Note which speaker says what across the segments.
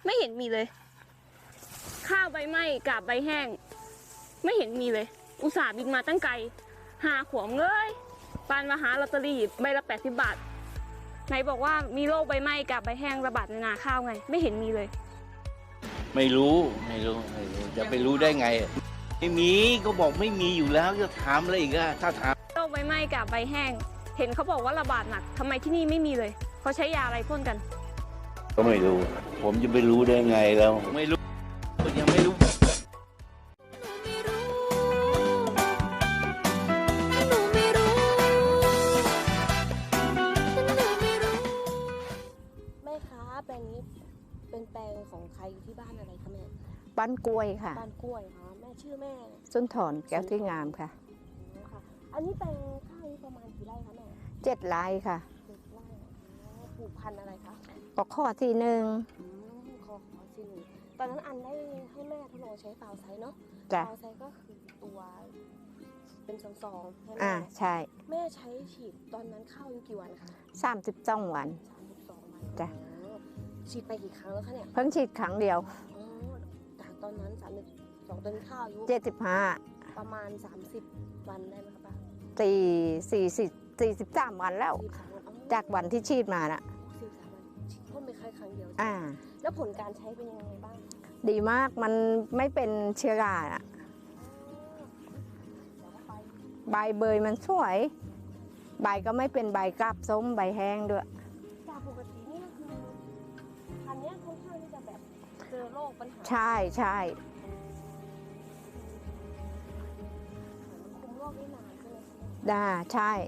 Speaker 1: ไม่เห็นมีเลยข้าวใบไหม้กาบใบแห้งไม่เห็นมีเลยอุตส่าห์บินมาตั้งไกลหาขวมเลยปานมาหาลอตเตอรี่ใบละ80 บาทไหนบอกว่ามีโรคใบไหม้กาบใบแห้งระบาดในนาข้าวไงไม่เห็นมีเลย
Speaker 2: ไม่รู้จะไปรู้ได้ไงไม่มีก็บอกไม่มีอยู่แล้วจะถามอะไรอีกอะถ้าถาม
Speaker 1: โรคใบไหม้กาบใบแห้งเห็นเขาบอกว่าระบาดหนักทำไมที่นี่ไม่มีเลยเขาใช้ยาอะไรพ่นกัน
Speaker 2: ก็ไม่รู้ผมจะไปรู้ได้ไงแล้วไม่รู้ยังไม่รู้
Speaker 3: แม่คะแปลงนี้เป็นแปลงของใครที่บ้านอะไรคะแม่
Speaker 4: บ้านกล้วยค่ะ
Speaker 3: บ้านกล้วยค่ะแม่ชื่อแม่
Speaker 4: สุนทรแก้วที่งามค่ะ
Speaker 3: ค่ะอันนี้แปลงข้าวนี้ประมาณกี่ไร่คะแม่
Speaker 4: 7 ไร่ค่ะ
Speaker 3: 7 ไร่ปลูกพันธุ์อะไรคะ
Speaker 4: ปอกข้อที่1
Speaker 3: ขอที่หนึ่งตอนนั้นอันได้ให้แม่ทดลองใช้เปล่าไซเนาะ
Speaker 4: เปล่า
Speaker 3: ไซก็คือตัวเป็นซองๆให้
Speaker 4: แม่ใช่
Speaker 3: แม่ใช้ฉีดตอนนั้นข้าวอยู่กี่วันคะ
Speaker 4: 32 วัน
Speaker 3: จ้ะฉีดไปกี่ครั้งแล้วคะเนี่ย
Speaker 4: เพิ่งฉีดครั้งเดียว
Speaker 3: จากตอนนั้น32ต้นข้าวอายุ
Speaker 4: 75
Speaker 3: ประมาณ30 วันได้ไหมคะป้า
Speaker 4: 43 วันแล้วจากวันที่ฉีดมาน่ะ
Speaker 3: 43 วันพ่นไปแค่ครั้งเดียวแล้วผลการใช้เป็นยังไงบ้าง
Speaker 4: ดีมากมันไม่เป็นเชื้อราอ่ะใบเบยมันสวยใบก็ไม่เป็นใบกาบส้มใบแห้งด้วย
Speaker 3: จากปกตินี่ก็คืออันนี้ค่อนข้างที่จะแบบเจอโรคปัญหา
Speaker 4: ใช่
Speaker 3: คุมโรคได้นานใช่ไหม
Speaker 4: ได้ใช่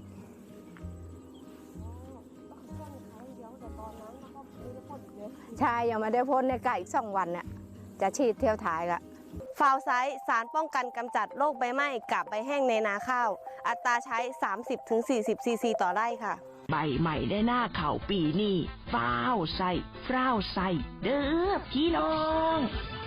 Speaker 4: ใช่ยังไม่ได้พ่นในไก่อีก2 วันเนี่ยจะฉีดเที่ยวท้ายละ
Speaker 3: ฟาวไซต์สารป้องกันกำจัดโรคใบไหม้กับใบแห้งในนาข้าวอัตราใช้ 30-40 ซีซีต่อไร่ค่ะ
Speaker 5: ใบใหม่ได้หน้าเข่าปีนี้ฟ้าวใส่เด้อพี่น้อง